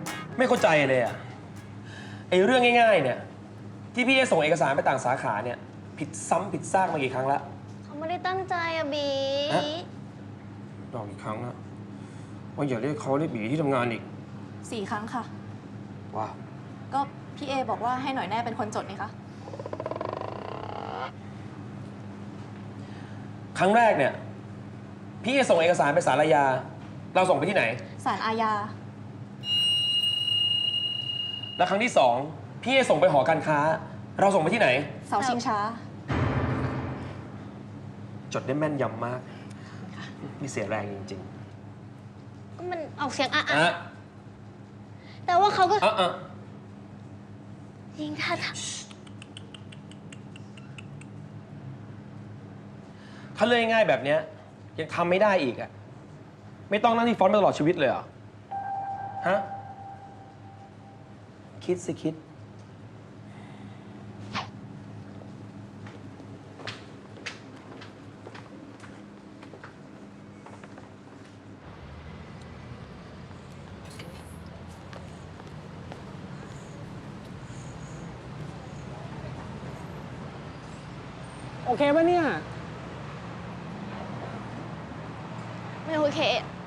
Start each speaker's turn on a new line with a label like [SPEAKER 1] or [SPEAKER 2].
[SPEAKER 1] ไม่เข้าใจเลยอะไอ้เรื่องง่ายๆเนี่ยที่พี่จะส่งเอกสารไปต่างสาขาเนี่ยผิดซ้ำผิดซากมากี่ครั้งละ
[SPEAKER 2] เขาไม่ได้ตั้งใจอะบี
[SPEAKER 1] บอกอีกครั้งนะว่าอย่าเรียกเขาเรียกบีที่ทำงานอีก
[SPEAKER 3] 4 ครั้งค่ะ
[SPEAKER 1] ว้า
[SPEAKER 3] ก็พี่เอบอกว่าให้หน่อยแน่เป็นคนจดนี่คะ
[SPEAKER 1] ครั้งแรกเนี่ยพี่จะส่งเอกสารไปศาลอาญาเราส่งไปที่ไหน
[SPEAKER 3] ศาลอาญา
[SPEAKER 1] แล้วครั้งที่สองพี่จะส่งไปหอการค้า เราส่งไปที่ไหน
[SPEAKER 3] เสาชิงช้า
[SPEAKER 1] จดได้แม่นยำมากนี่เสียแรงจริง
[SPEAKER 2] มันออกเสียงอะ
[SPEAKER 1] ๆอะ
[SPEAKER 2] แต่ว่าเขาก็
[SPEAKER 1] อะ
[SPEAKER 2] ยิงท่า
[SPEAKER 1] ถ้าเรื่องง่ายๆแบบเนี้ยยังทำไม่ได้อีกอะไม่ต้องนั่งที่ฟอนต์ไปตลอดชีวิตเลยเหรอฮะคิดสิคิด
[SPEAKER 4] โอเคปะเนี่ย
[SPEAKER 2] ไม่โอเค